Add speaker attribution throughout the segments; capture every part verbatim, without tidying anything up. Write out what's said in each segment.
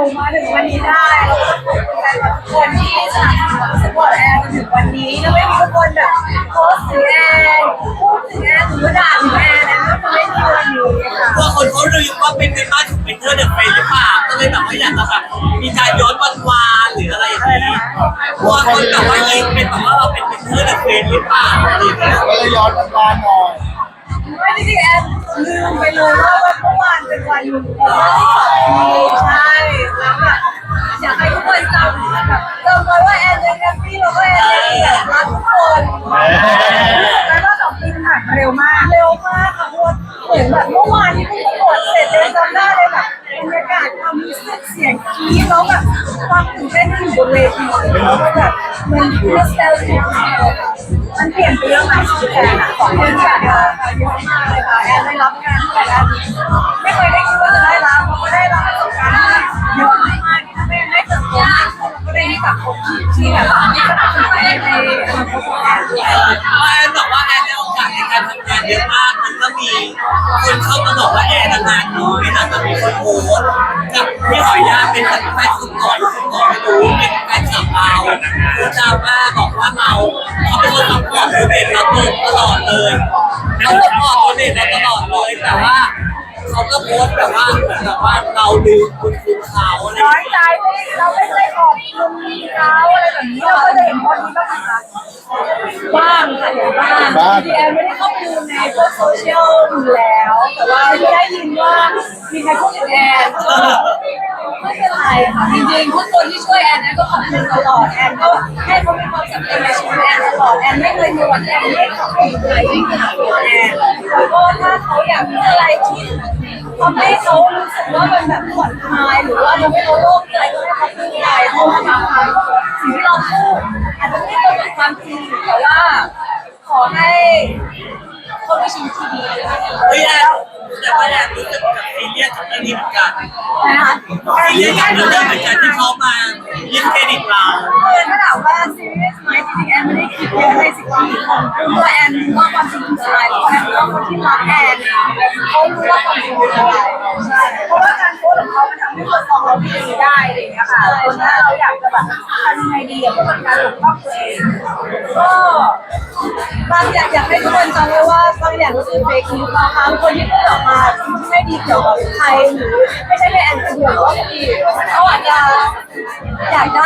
Speaker 1: มาถึงวันนี้ได้แล้วก็ขอบคุณแฟนทุกคนที่สนับสนุนสปอร์ตแอนถึงวันนี้ถ้าไม่มีทุกคนแบบโพสต์ถึงแอนพูดถึงแอนหรือด่าถึงแอนแอนก็จะไม่มีวันนี้ค่ะ
Speaker 2: พวกคนเขาดูว่าเป็นเป็นบ้านของเป็นเธอเดอะเฟรนหรือเปล่าก็เลยแบบว่าอยากจะแบบมีการย้อนวันวานหรืออะไรอย่างนี้พวกคนแบบว่ายิงเป็นแบบว่าเราเป็นเป็นเธอเดอะเฟรนหรือเปล่าอะไรอย่างเงี้ย
Speaker 3: ก็เลยย้อนวันวานหน่อย
Speaker 1: ไม่จริงๆแอนลืมไปเลยว่าวันเมื่อวานเป็นวันที่ใช่แล้วแบบอยากให้ทุกคนจำแบบจำไว้ว่าแอนยังแฮปปี้แล้วก็แอนยังแบบรักทุกคนแล้วก็สองปีผ่านมาเร็วมากเร็วมากค่ะเพราะว่าเหมือนแบบเมื่อวานที่เพิ่งประกวดเสร็จเลยจำได้เลยแบบบรรยากาศความรู้สึกเสียงกรี๊ดแล้วแบบความตื่นเต้นที่อยู่บนเวทีแล้วก็แบบมันโนสเตลเจียมันเปลี่ยนไปเยอะมากชีวิตแอนสองเดือนผ่านมาเยอะมากเลยค่ะแอนได้รับงานแต่ละไม่เคยได้คิดว่าจะได้รับเพราะว่าได้รับประสบการณ์เยอะมากที่ทำให้ได้เติบโตก็ได้รู้จักคนที่แบบสนับสนุนในในอนาคตของแอนด้วย
Speaker 2: แอนบอกว่าแอนได้โอกาสในการทำงานเยอะมากมันก็มีคนเข้ามาบอกว่าแอนงานน้อยนะแต่มีคนโพสกับพี่หอยยาเป็นแบบแฟนสุดหล่อสุดหล่อไม่รู้เป็นแฟนสาวเราคือดราม่าบอกว่าเราเขาเป็นคนซัพพอร์ตตัวเด็กเราตลอดเลยแล้วซัพพอร์ตตัวเด็กเราตลอดเลยแต่ว่าเขาก็โพสแบบว่าเหมือนแบบว่าเราลืมคุณคุณเขาอะไร
Speaker 1: น้อยใจไม่เราไม่เคยขอบคุณเขาอะไรแบบนี้เราก็จะเห็นโพสต์นี้บ้างนะคะบ้างค่ะเห็นบ้างที่แอนไม่ได้เข้าไปดูในพวกโซเชียลอยู่แล้วแต่ว่าที่ได้ยินว่ามีใครพูดถึงแอนก็ไม่เป็นไรค่ะจริงๆทุกคนที่ช่วยแอนแอนก็ขอบคุณตลอดแอนก็ให้เขามีความสำคัญในชีวิตแอนตลอดแอนไม่เคยมีวันแอนไม่ขอบคุณใครที่สนับสนุนแอนแล้วก็ถ้าเขาอยากมีอะไรที่ทำให้เขารู้สึกว่ามันแบบผ่อนคลายหรือว่าทำให้เขาโล่งใจก็ให้เขาพูดใจเพราะว่าบางครั้งสิ่งที่เราพูดอาจจะไม่ตรงกับความจริงแต่ว่าขอให้เขาได้ชีวิตที่ดี
Speaker 2: เฮ้ยแอนแต่ว่าแอนรู้สึกกับซีเรียสกับเรื่องนี้เหมือนกัน
Speaker 1: นะคะ
Speaker 2: ซีเรียสกับเรื่องนี้เหมือนกันที่เขามายึดเครดิตเรา
Speaker 1: คือถ้าถามว่าซีเรียสไหมจริงๆแอนไม่ได้คิดเยอะในสิ่งที่ทำเพราะแอนรู้ว่าความจริงคืออะไรแล้วแอนรู้ว่าคนที่รักแอนเขารู้ว่าความจริงคืออะไรใช่เพราะว่าการโพสของเขามันทำให้คนมองเราไม่ดีได้อะไรอย่างเงี้ยค่ะคนถ้าเราอยากจะแบบทำยังไงดีเพื่อเป็นการปกป้องตัวเองก็บางอย่างอยากให้ทุกคนจำไว้ว่าบางอย่างก็คือเฟกนิวส์บางครั้งคนที่พูดออกมาไม่ดีเกี่ยวกับใครหรือไม่ใช่แค่แอนคนเดียวก็ดีเขาอาจจะอยากได้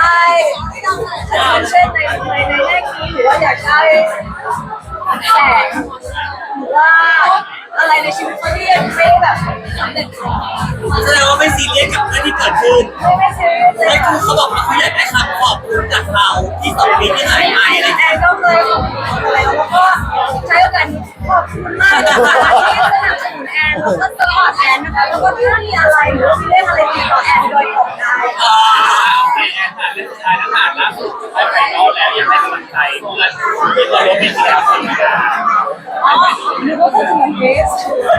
Speaker 1: attention ในในในแง่นี้หรือว่าอยากได้แสงหรือว่าอะไรในชีวิตเขาที่ยังไม่แบบสำเร็จ
Speaker 2: แสดงว่าไม่ซีเรียสกับเรื่องที่เกิดขึ้น
Speaker 1: ไม่ไม่ซีเรียสเลย
Speaker 2: ไม่คือเขาบอกว่าเขาอยากได้คำขอบคุณจากเราที่สองปีที่หายไปอะไร
Speaker 1: แอนก็เคยขอบคุณอะไรแล้วก็ใช้โอกาสนี้ขอบคุณมากที่สนับสนุนแอนแล้วก็สปอร์ตแอนนะคะแล้วก็ถ้ามีอะไรหรือมีเรื่องอะไรติดต่อแอนโดยตรงได้
Speaker 4: แอนค่ะเรื่องสุดท้ายแล้วค่ะล่าสุดได้ไปรอแล้วยังให้กำลังใจเพื่อนที่เราลงเป็นที่แล้วสิ
Speaker 1: อ๋อหรือว่าจะถึงเบส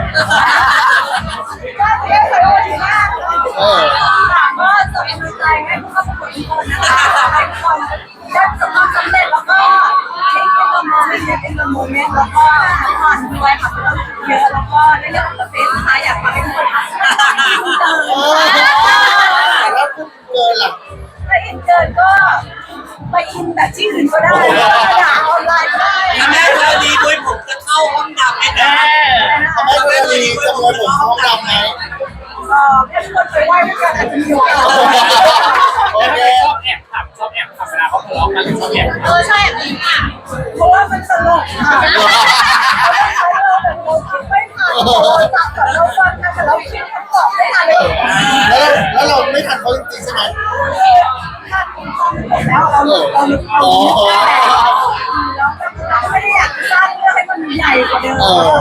Speaker 1: ก็เรียกไปว่าถึงมากก็ส่งกำลังใจให้ผู้เข้าประกวดทุกคนนะคะให้ทุกคนได้ประสบความสำเร็จแล้วก็เช็คเป็นโมเมนต์เช็คเป็นโมเมนต์แล้วก็ผ่านด้วยค่ะเยอะแล้วก็ในเรื่องของเฟสนะคะอยากให้ทุกคนอินเตอร์
Speaker 3: แล้วคุณเกินหลัก
Speaker 1: ถ้าอินเตอร์ก็ไปอินแบบที่อื่นก็ได้อยากออนไลน์ก็ได้
Speaker 2: แม่เธอดีด้วยผมจะเข้าห้องดำไหมนะ
Speaker 3: แม่เธอดีจะมวยผมห้องดำไหม
Speaker 1: เออแค่ทุกคนไปไหว้ด้วยกันอาจจะมีโอกาส
Speaker 4: โอเคชอบแอบขับชอบแอบขับเวลาเขาทะเลาะกันชอบแอบ
Speaker 1: เออใช่แบบนี้ค่ะเพราะว่ามันตลกค่ะเราคิดไม่ทันเราจับกับเราฟังกันแต่เราคิดคำตอบไม่ทันเลย
Speaker 3: แล้วแล้วเราไม่ทันเขาจริงๆใช่ไหม
Speaker 1: ทันความจบแล้วเราเราเราเราไม่ได้อยากสร้างเรื่องให้มันใหญ่กว่าเดิม